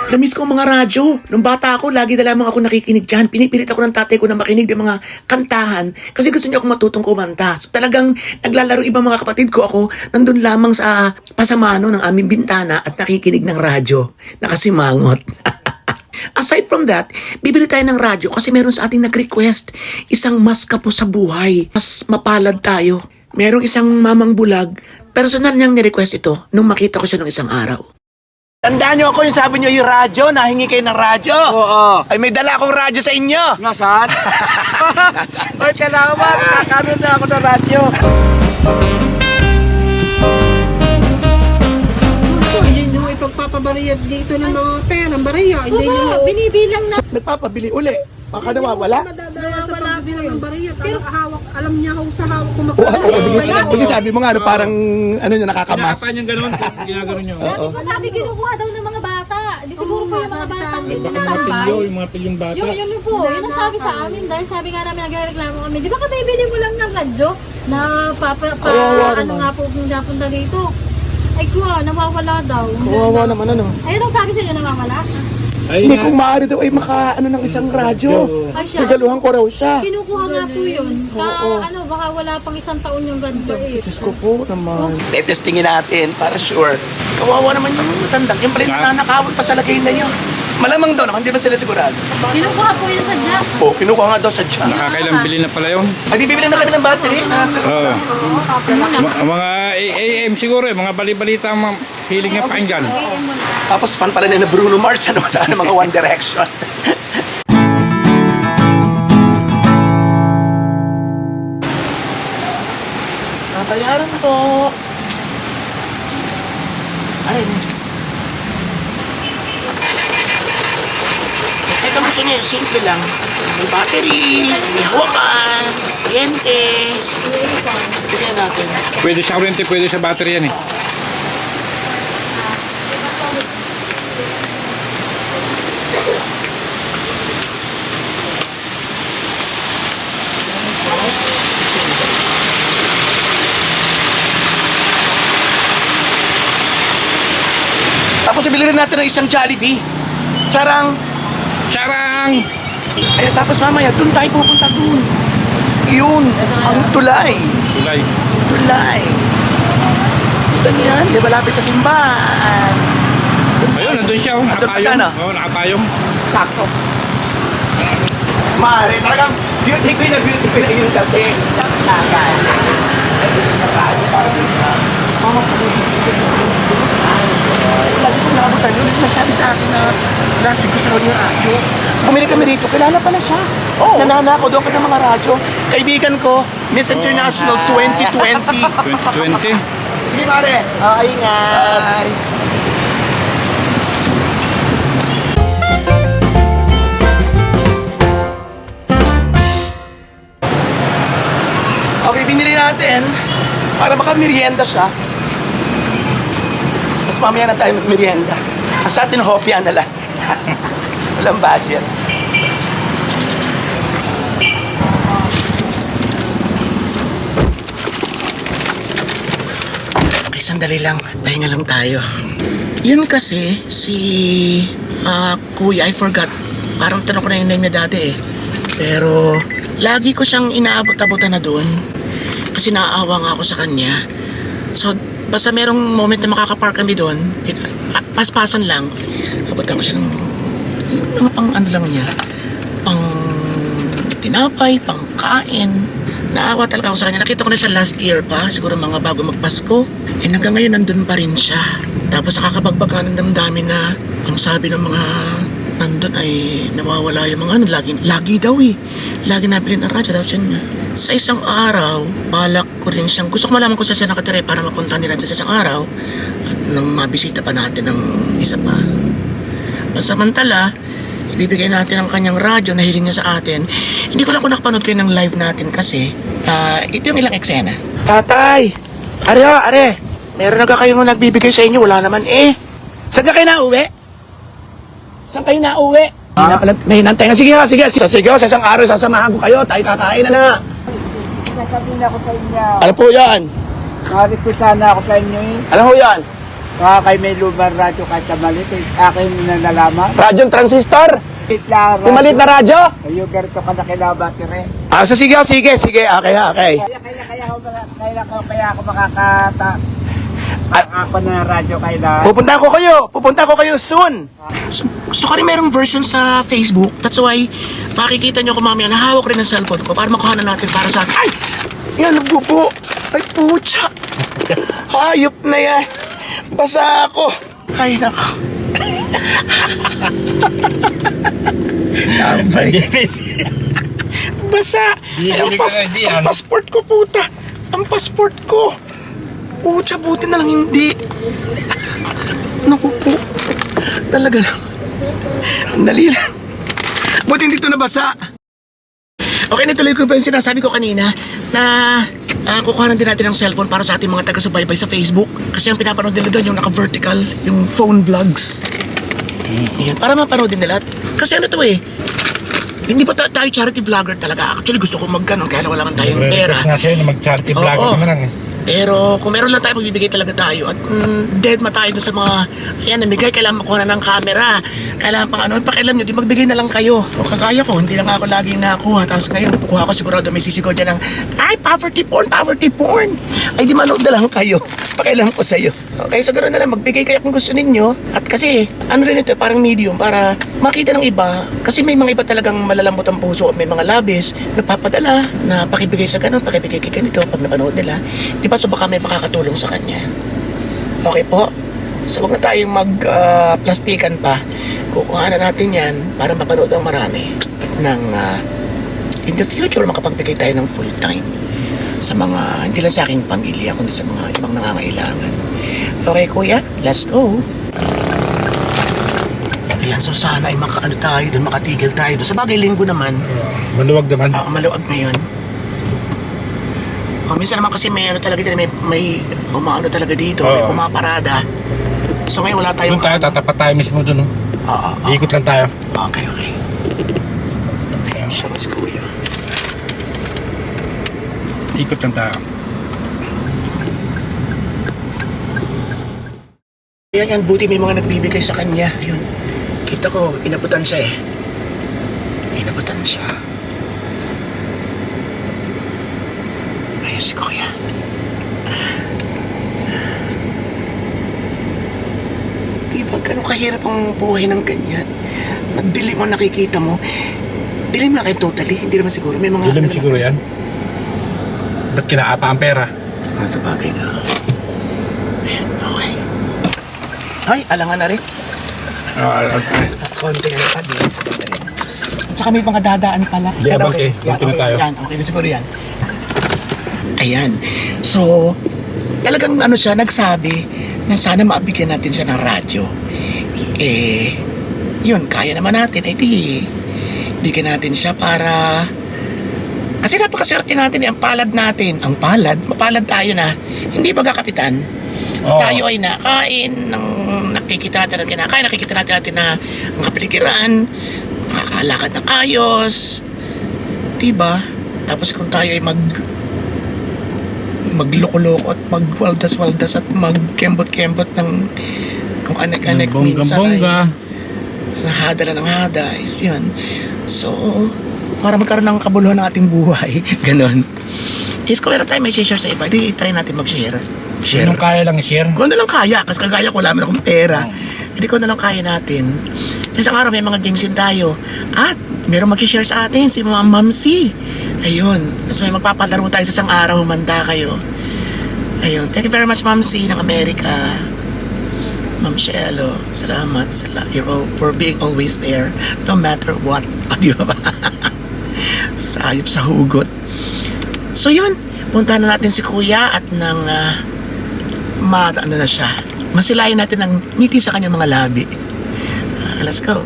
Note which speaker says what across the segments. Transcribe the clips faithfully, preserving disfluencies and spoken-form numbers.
Speaker 1: Namiss ko ang mga radyo. Nung bata ako, lagi na lamang ako nakikinig dyan. Pinipilit ako ng tatay ko na makinig ng mga kantahan kasi gusto niya ako matutong kumanta. So talagang naglalaro ibang mga kapatid ko ako nandun lamang sa pasamano ng aming bintana at nakikinig ng radyo. Nakasimangot. Aside from that, bibili tayo ng radyo kasi meron sa ating nag-request isang mas kapo sa buhay. Mas mapalad tayo. Merong isang mamang bulag. Personal niyang ni-request ito nung makita ko siya nung isang araw. Tandaan niyo ako yung sabi niyo yung radyo, nahingi kayo ng radyo.
Speaker 2: Oo.
Speaker 1: Ay may dala akong radyo sa inyo.
Speaker 2: Nasaan?
Speaker 1: Nasaan?
Speaker 2: Oy, salamat. Kakaroon na ako ng radyo.
Speaker 3: Hindi nyo ipagpapabariyad dito ng mga perang bariya. Hindi nyo
Speaker 4: Oo, binibilang na.
Speaker 1: Nagpapabili uli. Baka nawawala.
Speaker 3: madadaya sa
Speaker 4: Nawawala
Speaker 3: pagbibilang
Speaker 4: po
Speaker 3: ng
Speaker 4: yun.
Speaker 3: bariya.
Speaker 4: Pero-
Speaker 3: Pero hawak, alam niya ho sa hawak kung
Speaker 1: Oo, oo,
Speaker 3: magkano.
Speaker 1: bigyan- bigyan sabi mo nga, ano, parang ano nyo, nakakamas.
Speaker 5: Kinakapan yung ganun, ginagano nyo.
Speaker 4: Dati ko sabi kinukuha daw ng mga bata. Di siguro po yung mga
Speaker 3: sabi sa
Speaker 4: batang
Speaker 3: amin,
Speaker 5: Baka mga
Speaker 4: tambay.
Speaker 5: pilyo, yung mga pilyong bata.
Speaker 4: Yung yun po, yun ang sabi sa amin dahil sabi nga namin nagreklamo kami. Di ba ka bibili mo lang ng radyo na papa, pa,
Speaker 1: Kawawa
Speaker 4: ano
Speaker 1: naman.
Speaker 4: nga po napunta dito. Ay kuha, nawawala daw.
Speaker 1: Kawawa naman ano.
Speaker 4: Ay, anong sabi sa inyo nawawala?
Speaker 5: Ay,
Speaker 1: Hindi
Speaker 5: nga.
Speaker 1: kung maaari daw ay maka ano ng isang radyo.
Speaker 4: Ay siya.
Speaker 1: Regaluhan ko raw siya.
Speaker 4: Kinukuha nga po yun. Ka, ano, baka wala pang isang taon yung radyo.
Speaker 1: Diyos ko po naman. Tetestingin natin para sure. Kawawa naman yung matandang. Yung pala yung nananakawan pa sa lagay na yun. Malamang daw naman, di ba sila sigurado?
Speaker 4: Kinukuha po yun sa jack.
Speaker 1: Oo, kinukuha nga daw sa dyan.
Speaker 5: Nakakailang bili na pala yun.
Speaker 1: Ay, bibili na kami ng battery.
Speaker 5: Oo. Ma- mga A M siguro eh, mga bali-balita ang mga hiling na pakinggan.
Speaker 1: Tapos fan pala nila Bruno Mars, ano, sa ano, mga One Direction. Natayaran po. Ano yun? Ito gusto niya, simple lang. May battery, may hawakan, dientes. Tignan natin.
Speaker 5: Pwede sa kurente, pwede sa battery yan eh.
Speaker 1: Tapos ibili rin natin ng isang Jollibee. Charang!
Speaker 5: Charang!
Speaker 1: Ay, tapos mamaya, dun tayo pupunta dun. Yun, ang tulay.
Speaker 5: Tulay.
Speaker 1: Tulay. Dun yan, di ba lapit sa simbahan?
Speaker 5: Ayun, nandun siya. Oh,
Speaker 1: Nandun pa
Speaker 5: nakapayong.
Speaker 1: siya, no?
Speaker 5: Oo, nakapayong.
Speaker 1: Sakto. Mare, talagang beauty queen na beauty queen na yun kasi. Tagay. Lagi ko nakabutan yun. Nagsabi sa akin na last week gusto raw niya radyo. Bumili kami rito, kilala pala siya. Oh. Nananako doon ka ng mga radyo. Kaibigan ko, Miss International twenty twenty.
Speaker 5: twenty twenty.
Speaker 1: Sige pare.
Speaker 2: Ah, ingat.
Speaker 1: Bye. Okay, binili natin para baka merienda siya. Tapos mamaya na tayo mag-merienda. Sa atin, hopya na lang. Walang budget. Okay, sandali lang. Pahinga lang tayo. Yun kasi, si... ah, Kuya, I forgot. Parang tanong ko na yung name niya dati eh. Pero, lagi ko siyang inaabot-abutan na doon. Kasi naaawa nga ako sa kanya. So, basta merong moment na makakapark kami doon, pa- paspasan lang, abutan ko siya ng mga pang ano lang niya, pang tinapay, pang kain. Naawa talaga ako sa kanya. Nakita ko na siya last year pa, siguro mga bago magpasko. Eh hanggang ngayon nandun pa rin siya. Tapos nakakapagbaga ng damdamin na ang sabi ng mga nandun ay nawawala yung mga ano, lagi, lagi daw eh. Lagi nabili ng radyo, tapos yun nga. Sa isang araw, balak ko rin siyang, gusto ko malaman kung saan siya nakatira para mapunta nila sa isang araw at nang mabisita pa natin ng isa pa. Pansamantala, ibibigay natin ang kanyang radyo na hiling niya sa atin. Hindi ko lang kung nakapanood kayo ng live natin kasi uh, ito yung ilang eksena. Tatay! Are ho, are! Meron na ka kayong nagbibigay sa inyo, wala naman eh. Saan ka kayo nauwi? Saan kayo nauwi? Ah? May hinantay nga. Sige nga, sige. Sige, sige, sa isang araw sasamahan ko kayo. Tayo kakain na na.
Speaker 2: Sasabihin ako sa inyo.
Speaker 1: Ano po yan?
Speaker 2: Bakit ko sana ako sa inyo eh.
Speaker 1: Ano ho yan?
Speaker 2: Baka kayo may lumang radyo kahit na maliit. eh, Akin na nalaman.
Speaker 1: Radyong transistor?
Speaker 2: Maliit na radyo.
Speaker 1: Yung maliit na radyo?
Speaker 2: Yung ganito ka na kailangan rin.
Speaker 1: Ah, so sige, sige, sige. Okay, okay.
Speaker 2: Kaya, kaya, kaya, ako, maka- kaya, ako, kaya ako makakata. At ako na radyo kailangan.
Speaker 1: Pupunta ko kayo. Pupunta ko kayo soon. So, so ka rin merong version sa Facebook. That's why, makikita nyo ko mamaya, nahawak rin ang cellphone ko para makuha na natin para sa... Ay! Yan, nagbubo. Ay, pucha. Hayop na yan. Basa ako. Ay, nako. Basa. Ay, ang, pas ang passport ko, puta. Ang passport ko. Pucha, buti na lang hindi. Naku po. Talaga lang. Ang dali lang. Buti hindi ito nabasa. Okay, natuloy ko pa yung sinasabi ko kanina na uh, kukuhanan din natin ng cellphone para sa ating mga taga-subaybay sa Facebook. Kasi ang pinapanood nila doon yung naka-vertical, yung phone vlogs. Ayan, para mapanood din nila. Kasi ano to eh, hindi pa ta- tayo charity vlogger talaga. Actually gusto ko mag-ganon kaya wala man tayong pera.
Speaker 5: Nga sa'yo na mag-charity
Speaker 1: Oo.
Speaker 5: vlog ka na lang eh.
Speaker 1: Pero kung meron lang tayo, magbibigay talaga tayo. At mm, dead ma tayo dun sa mga, ayan, namigay, kailangan makuha na ng camera. Kailangan pang ano, pakialam nyo, di magbigay na lang kayo. O kagaya ko, hindi lang ako laging nakuha. Tapos ngayon, kukuha ko sigurado may sisigod dyan ng, ay, poverty porn, poverty porn. Ay, di manood na lang kayo. Pakialam ko sa'yo. Okay, so ganoon na lang, magbigay kayo kung gusto ninyo. At kasi, ano rin ito, parang medium, para makita ng iba. Kasi may mga iba talagang malalambot ang puso at may mga labis, nagpapadala, na pakibigay sa ganun, pakibigay kay ganito, pag napanood nila. Di ba, so baka may makakatulong sa kanya. Okay po? So wag na tayong mag-plastikan pa. Kukuha na natin yan para mapanood ang marami. At nang uh, in the future, makapagbigay tayo ng full time sa mga, hindi lang sa aking pamilya, kundi sa mga ibang nangangailangan. Okay, kuya? Let's go! Ayan, so sana ay makaano tayo doon, makatigil tayo doon. Sa bagay, linggo naman.
Speaker 5: Uh, maluwag naman.
Speaker 1: Oo, maluwag ngayon. Oh, minsan naman kasi may ano talaga dito, may, may umaano talaga dito, may
Speaker 5: Oo.
Speaker 1: pumaparada. So ngayon wala tayong...
Speaker 5: Doon tayo, tatapat tayo mismo doon. Oh.
Speaker 1: Oo, oo.
Speaker 5: Ikot lang tayo.
Speaker 1: Okay, okay. Ayun siya si kuya.
Speaker 5: Ikot lang tayo.
Speaker 1: Ayan yan, buti may mga nagbibigay sa kanya. Ayun, kita ko, inabutan siya eh. Inabutan siya. Ayun si kuya. Diba, ganun kahirap ang buhay ng ganyan. Nagdilim mo, nakikita mo. Dilim na kayo totally, hindi naman siguro. May mga...
Speaker 5: Dilim
Speaker 1: ano
Speaker 5: siguro yan. Ba't kinaapa ang pera?
Speaker 1: Ah, sa bagay na. Ayan, okay. Ay, alangan na rin.
Speaker 5: Uh, okay.
Speaker 1: Konti na pa din. At saka may mga dadaan pala.
Speaker 5: Hindi,
Speaker 1: Yan,
Speaker 5: abang, eh.
Speaker 1: Yan,
Speaker 5: Konti na
Speaker 1: okay,
Speaker 5: tayo.
Speaker 1: yan, okay na siguro yan. Ayan. So, talagang ano siya, nagsabi na sana maabigyan natin siya ng radyo. Eh, yun, kaya naman natin. Eh, di, bigyan natin siya para... Kasi napakaswerte natin, eh, ang palad natin. Ang palad, mapalad tayo na. Hindi ba kapitan?
Speaker 5: Oo.
Speaker 1: Tayo ay nakain, ng, nakikita natin ang kinakain, nakikita natin natin na ang kapaligiran, nakakalakad ng ayos. Diba? Tapos kung tayo ay mag magloko-loko at magwaldas-waldas at magkembot-kembot ng kung anek-anek minsan ay
Speaker 5: Bongga-bongga.
Speaker 1: nahada lang ng hada is yun. So, para magkaroon ng kabuluhan ng ating buhay, ganon. Is kung meron tayo may share sa iba, di try natin mag-share. Share.
Speaker 5: Anong kaya lang i-share?
Speaker 1: Kung ano lang kaya, kasi kagaya ko, wala man akong pera. Hindi ko na lang kaya natin. Sa isang araw, may mga games din tayo. At meron mag-share sa atin, si Ma'am Mamsi. Ayun. Tapos may magpapalaro tayo sa isang araw, humanda kayo. Ayun. Thank you very much, Mamsi, ng Amerika. Ma'am Shelo, salamat sa la- you're all, for being always there, no matter what. O, di ba ba? Sayop sa hugot. So yun, punta na natin si Kuya at nang uh, ma, ano na siya, masilayan natin ng ngiti sa kanyang mga labi. Uh, let's go.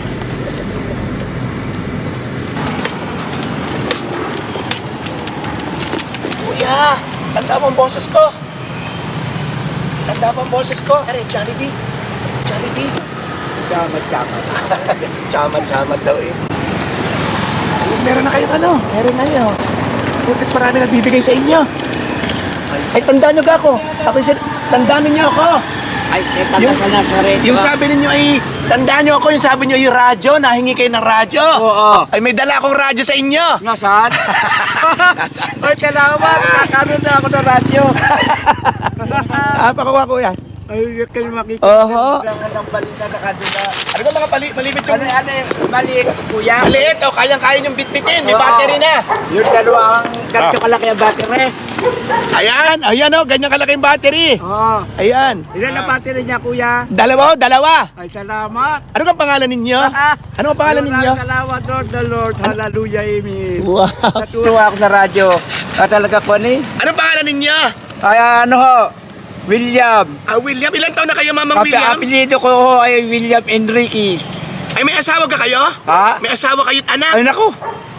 Speaker 1: Kuya, tanda mo ang boses ko. Tanda mo ang boses ko. Are, Jollibee. Jollibee.
Speaker 2: Chamat-chamat.
Speaker 1: Chamat-chamat daw eh. Ay, meron na kayong ano? Meron na yun. Bakit marami nagbibigay sa inyo? Ay, tandaan nyo ga ako. Ako isa, tandaan niyo ako.
Speaker 2: Ay, eh, taga sa Nazaret.
Speaker 1: Yung sabi ninyo ay, tandaan nyo ako, yung sabi nyo yung radyo, nahingi kayo ng radyo.
Speaker 2: Oo.
Speaker 1: Ay, may dala akong radyo sa inyo.
Speaker 2: Nasaan? Ay, salamat. Kakaroon na ako ng radyo.
Speaker 1: Ah, pakuha ko yan.
Speaker 2: Ay, yun kayo makikita.
Speaker 1: Oho.
Speaker 2: Ang balita na kadula.
Speaker 1: Ano ba mga pali, malibit yung...
Speaker 2: Ano, ano, maliit, kuya.
Speaker 1: Maliit, o, kayang-kaya yung bitbitin, may
Speaker 2: Oo.
Speaker 1: battery na.
Speaker 2: Yung dalawa ang ganito kalaki ang battery.
Speaker 1: Ayan, ayan o, ganyan kalaki yung battery.
Speaker 2: Oo.
Speaker 1: Ayan.
Speaker 2: Ilan ang battery niya, kuya?
Speaker 1: Dalawa o, dalawa.
Speaker 2: Ay, salamat.
Speaker 1: Ano ang pangalan ninyo? Ano ang pangalan ninyo?
Speaker 2: Salamat, Lord the Lord. Hallelujah, amen.
Speaker 1: Wow.
Speaker 2: Natuwa ako na radyo. Ah, talaga po ni?
Speaker 1: Anong pangalan ninyo?
Speaker 2: Ay, ano ho? William.
Speaker 1: Ah, William. Ilan taon na kayo, Mamang
Speaker 2: Kapi,
Speaker 1: William?
Speaker 2: apelido ko ho ay William Enriquez.
Speaker 1: Ay, may asawa ka kayo?
Speaker 2: Ha?
Speaker 1: May asawa kayo't anak?
Speaker 2: Ay, naku.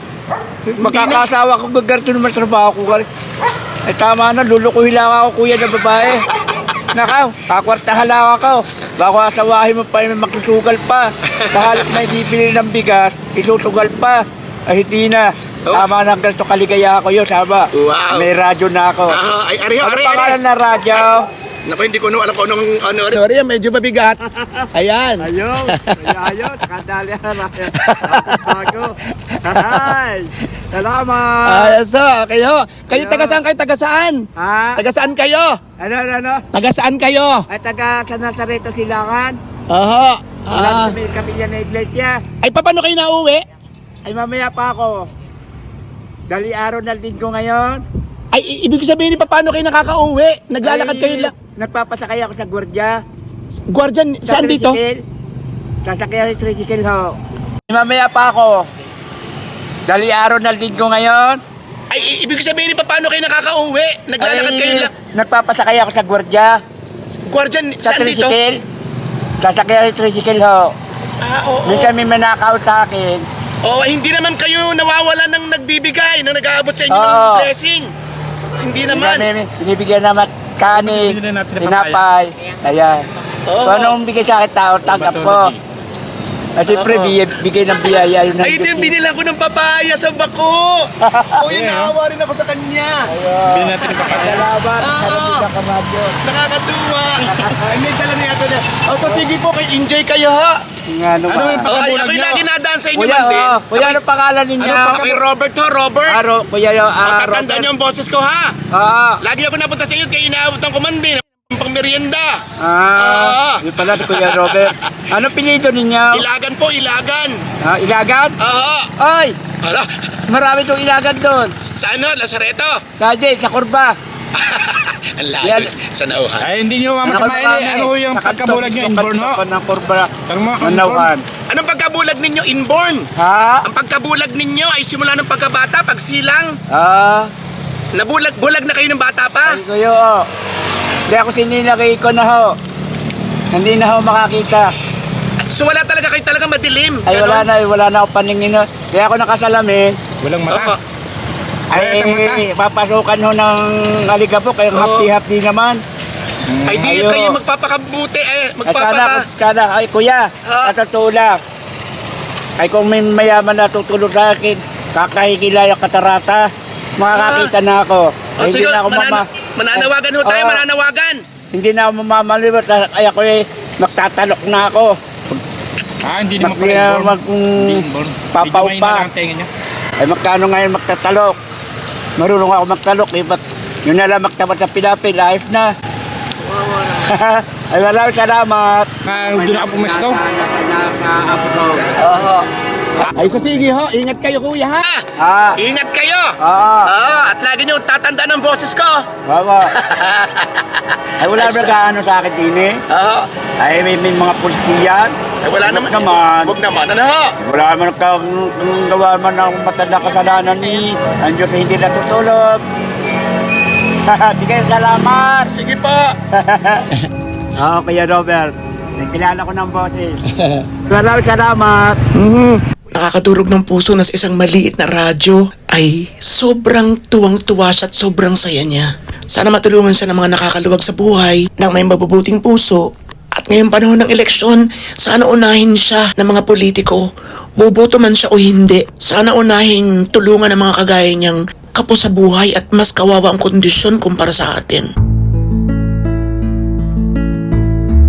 Speaker 2: Magkakasawa ko, gagarto naman sa trabaho ko. Ay, tama na, lulukuhin lang ako, kuya na babae. Nakaw, kakwartahan lang ako. Baka asawahin mo pa yung magsusugal pa. Sa halip na ibibili ng bigas, isusugal pa. Ay, hindi na.
Speaker 1: Oh.
Speaker 2: Tama na, ganito kaligaya ako yun, sama.
Speaker 1: Wow.
Speaker 2: May radyo na ako.
Speaker 1: Ah, ay, ariho,
Speaker 2: Ano
Speaker 1: ari,
Speaker 2: pangalan
Speaker 1: ari.
Speaker 2: na radyo?
Speaker 1: Naku, hindi ko no, alam ko anong, ano, ano, ari, medyo mabigat. Ayan.
Speaker 2: Ayun, ayun, nakadali ang radyo. Bago. Ay, salamat.
Speaker 1: Ah, so, kayo. Kayo
Speaker 2: Ayun.
Speaker 1: taga saan kayo? Taga saan?
Speaker 2: Ha?
Speaker 1: Taga saan kayo?
Speaker 2: Ano, ano, ano?
Speaker 1: Taga saan kayo?
Speaker 2: Ay, taga sa Nazareto Silangan.
Speaker 1: Oho.
Speaker 2: Wala
Speaker 1: Ah.
Speaker 2: sa may kapilya na iglesia.
Speaker 1: Ay, paano kayo nauwi?
Speaker 2: Ay, mamaya pa ako. Dali araw na din ko ngayon.
Speaker 1: Ay, i- ibig sabihin ni paano kayo nakakauwi? Naglalakad
Speaker 2: Ay,
Speaker 1: kayo lang.
Speaker 2: Nagpapasakay ako sa gwardiya.
Speaker 1: Guardian,
Speaker 2: Sa
Speaker 1: saan dito?
Speaker 2: tricycle. Sasakyan yung tricycle ho. Ay, mamaya pa ako. Dali araw na din ko ngayon.
Speaker 1: Ay, i- ibig sabihin ni paano kayo nakakauwi? Naglalakad
Speaker 2: Ay,
Speaker 1: kayo lang.
Speaker 2: Nagpapasakay ako sa gwardiya.
Speaker 1: Guardian,
Speaker 2: Sa
Speaker 1: saan dito?
Speaker 2: tricycle. Sasakyan yung tricycle ho.
Speaker 1: Ah, oo.
Speaker 2: Minsan may manakaw sa akin.
Speaker 1: Oh, hindi naman kayo nawawala ng nagbibigay, ng nag-aabot sa inyo ng
Speaker 2: Oo.
Speaker 1: blessing. Hindi naman.
Speaker 2: May binibigyan naman kanin,
Speaker 5: Binili natin ng
Speaker 2: tinapay. Ayan.
Speaker 1: Oo.
Speaker 2: Kung anong bigay sa akin tao, tanggap ko. At siyempre,
Speaker 1: Oo.
Speaker 2: bigay, bigay ng biyaya yun. ng
Speaker 1: Ay, ito yung
Speaker 2: Diyos.
Speaker 1: binilang ko ng papaya sa bako. Oh, yun, naawa rin ako sa kanya.
Speaker 5: Bili natin yung papaya.
Speaker 2: Salamat.
Speaker 1: Oo.
Speaker 2: Salamat sa kamadyo.
Speaker 1: Nakakatuwa. Ay, may dala niya ito na. Oh, so sige po, kay enjoy kayo ha.
Speaker 2: Nga
Speaker 5: Ano
Speaker 2: naman.
Speaker 5: yung
Speaker 1: Oh, ay,
Speaker 5: pagkabulag
Speaker 1: ako'y
Speaker 5: nyo?
Speaker 1: lagi nadaan sa inyo
Speaker 2: Kuya,
Speaker 1: man din.
Speaker 2: oh, kuya, ano pangalan ninyo?
Speaker 1: Ako'y Robert ho, Robert.
Speaker 2: Aro, kuya, yo,
Speaker 1: Oh,
Speaker 2: ah,
Speaker 1: tatandaan niyo ang boses ko ha.
Speaker 2: Ah,
Speaker 1: Lagi ako napunta sa inyo, kaya inaabutan ko man din. Pang merienda.
Speaker 2: ah, yun pala si Kuya Robert. Ano pinito ninyo?
Speaker 1: Ilagan po, ilagan.
Speaker 2: Ah, ilagan?
Speaker 1: Oo.
Speaker 2: Ay,
Speaker 1: Hala,
Speaker 2: marami itong ilagan doon.
Speaker 1: sa ano, Lazareto?
Speaker 2: Dati, sa kurba.
Speaker 1: Ang layo,
Speaker 2: Yan.
Speaker 1: sa nauhan.
Speaker 5: Ay, hindi nyo mamasamahin eh. Ano yung pagkabulag nyo? Inborn ho?
Speaker 2: Ng kurba.
Speaker 5: Tanong mo,
Speaker 2: Manawan.
Speaker 1: Anong pagkabulag ninyo? Inborn.
Speaker 2: Ha?
Speaker 1: Ang pagkabulag ninyo ay simula ng pagkabata, pagsilang.
Speaker 2: Ah,
Speaker 1: Nabulag-bulag na kayo ng bata pa.
Speaker 2: ay kuya, oh. Hindi ako sininagay ko na ho. Hindi na ho makakita.
Speaker 1: So wala talaga kayo talaga madilim.
Speaker 2: Ay wala
Speaker 1: Ganon.
Speaker 2: na, wala na ako paningin ho. Kaya ako nakasalamin.
Speaker 5: Walang
Speaker 1: Oo.
Speaker 5: mata.
Speaker 2: Ay,
Speaker 5: Ay,
Speaker 2: papasukan ho ng aligabok. Kaya
Speaker 1: Oo.
Speaker 2: hapdi-hapdi naman.
Speaker 1: Ay di
Speaker 2: Ayo.
Speaker 1: kayo magpapakabuti eh.
Speaker 2: Ay, sana,
Speaker 1: Magpapaka...
Speaker 2: sana, ay kuya,
Speaker 1: Ha?
Speaker 2: sa totoo lang. Ay kung may mayaman na tutulog sa akin, kakahigila yung katarata, makakakita na ako.
Speaker 1: O
Speaker 2: Ay,
Speaker 1: sige,
Speaker 2: hindi na ako
Speaker 1: manana-
Speaker 2: mama.
Speaker 1: mananawagan ho tayo,
Speaker 2: Oo.
Speaker 1: mananawagan.
Speaker 2: Hindi na ako mamamaliwat. Ay ako eh, magtatalok na ako.
Speaker 5: Ah, hindi naman
Speaker 2: Mag-
Speaker 5: pala inborn.
Speaker 2: mag-
Speaker 5: Hindi inborn.
Speaker 2: papaw
Speaker 5: Medyo mahina
Speaker 2: pa.
Speaker 5: lang ang tenga nyo.
Speaker 2: Ay magkano ngayon magtatalok? Marunong ako magtalok eh, ba't yun na lang magtapat sa pinapil, ayos na. Ay maraming salamat.
Speaker 5: Ah, doon ako pumesto.
Speaker 2: Oo.
Speaker 1: Ay so sige ho, ingat kayo kuya ha.
Speaker 2: Ah,
Speaker 1: Ingat kayo.
Speaker 2: oo.
Speaker 1: Oo, at lagi niyo tatandaan ang boses ko.
Speaker 2: Baba. Ay wala ba gaano sa akin din eh?
Speaker 1: Oo.
Speaker 2: Ay may, may mga pulsiyan.
Speaker 1: Ay wala
Speaker 2: Huwag
Speaker 1: naman.
Speaker 2: naman.
Speaker 1: Huwag naman. Ano ho?
Speaker 2: Wala naman ka kung gawa man ng matanda kasalanan ni ang Diyos ay hindi natutulog. Di kayo salamat.
Speaker 1: Sige po.
Speaker 2: Oo, Kuya Robert. Nagkilala ko ng boses. Maraming salamat.
Speaker 1: Nakakadurog ng puso na sa isang maliit na radyo ay sobrang tuwang-tuwa siya at sobrang saya niya. Sana matulungan siya ng mga nakakaluwag sa buhay ng may mabubuting puso. At ngayong panahon ng eleksyon, sana unahin siya ng mga politiko. Boboto man siya o hindi, sana unahin tulungan ng mga kagaya niyang kapos sa buhay at mas kawawa ang kondisyon kumpara sa atin.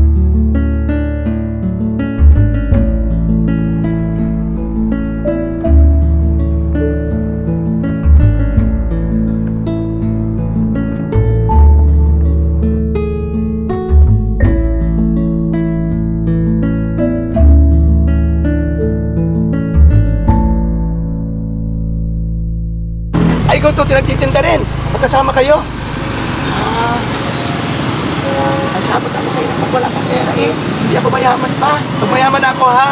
Speaker 1: buti nagtitinda rin. Magkasama kayo. Ah, ang sabat ako kayo pag wala kang pera eh. Hindi ako mayaman pa. Pag mayaman ako ha.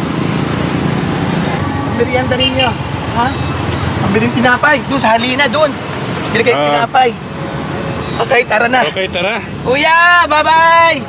Speaker 1: Ang merienda ninyo. Ha? Ang biling tinapay. Doon sa halina, doon. Bili kayo
Speaker 5: Ah.
Speaker 1: tinapay. Okay, tara na.
Speaker 5: Okay, tara.
Speaker 1: Kuya, bye-bye!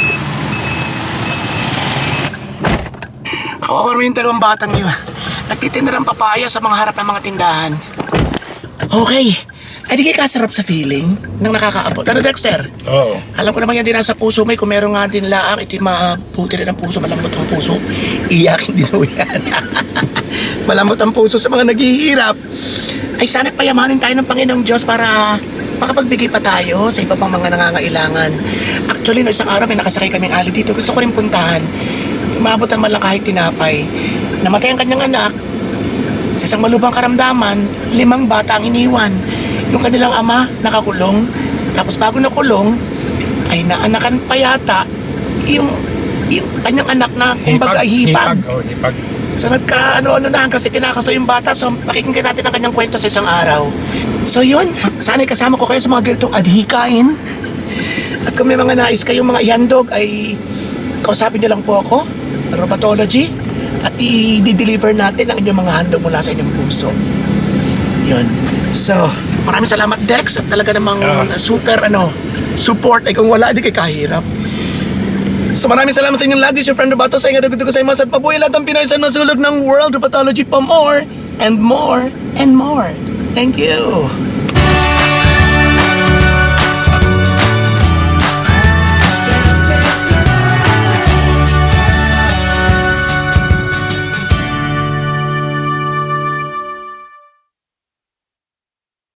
Speaker 1: Kawawa mo yung dalawang batang yun. Nagtitinda ng papaya sa mga harap ng mga tindahan. Okay. Ay di kayo kasarap sa feeling ng nakakaabot. Ano, Dexter?
Speaker 5: Oo.
Speaker 1: Alam ko naman yan din nasa puso may kung meron nga din laang, ito'y mabuti rin ang puso, malambot ang puso. Iyakin din mo yan. Malambot ang puso sa mga naghihirap. Ay sana payamanin tayo ng Panginoong Diyos para makapagbigay pa tayo sa iba pang mga nangangailangan. Actually, no, isang araw may nakasakay kaming ali dito. Gusto ko rin puntahan. Umabot ang man lang kahit tinapay. Namatay ang kanyang anak. Sa isang malubhang karamdaman, limang bata ang iniwan. Yung kanilang ama nakakulong. Tapos bago nakulong, ay naanakan pa yata yung, yung kanyang anak na kumbaga ay hipag.
Speaker 5: Oh, hipag.
Speaker 1: So nagka ano-ano na kasi tinakaso yung bata. So pakikinggan natin ang kanyang kwento sa isang araw. So yun, sana'y kasama ko kayo sa mga ganitong adhikain. At kung may mga nais kayong mga ihandog ay kausapin niyo lang po ako, Robotology, at i-deliver natin ang inyong mga handog mula sa inyong puso. Yun. So, maraming salamat Dex at talaga namang
Speaker 5: Yeah.
Speaker 1: super ano, support ay kung wala di kay kahirap. So maraming salamat sa inyong lahat. This is your friend Roboto sa inyo. Dugudugo sa imas at mabuhay lahat ng Pinoy sa nasulog ng World Robotology pa more and more and more. Thank you.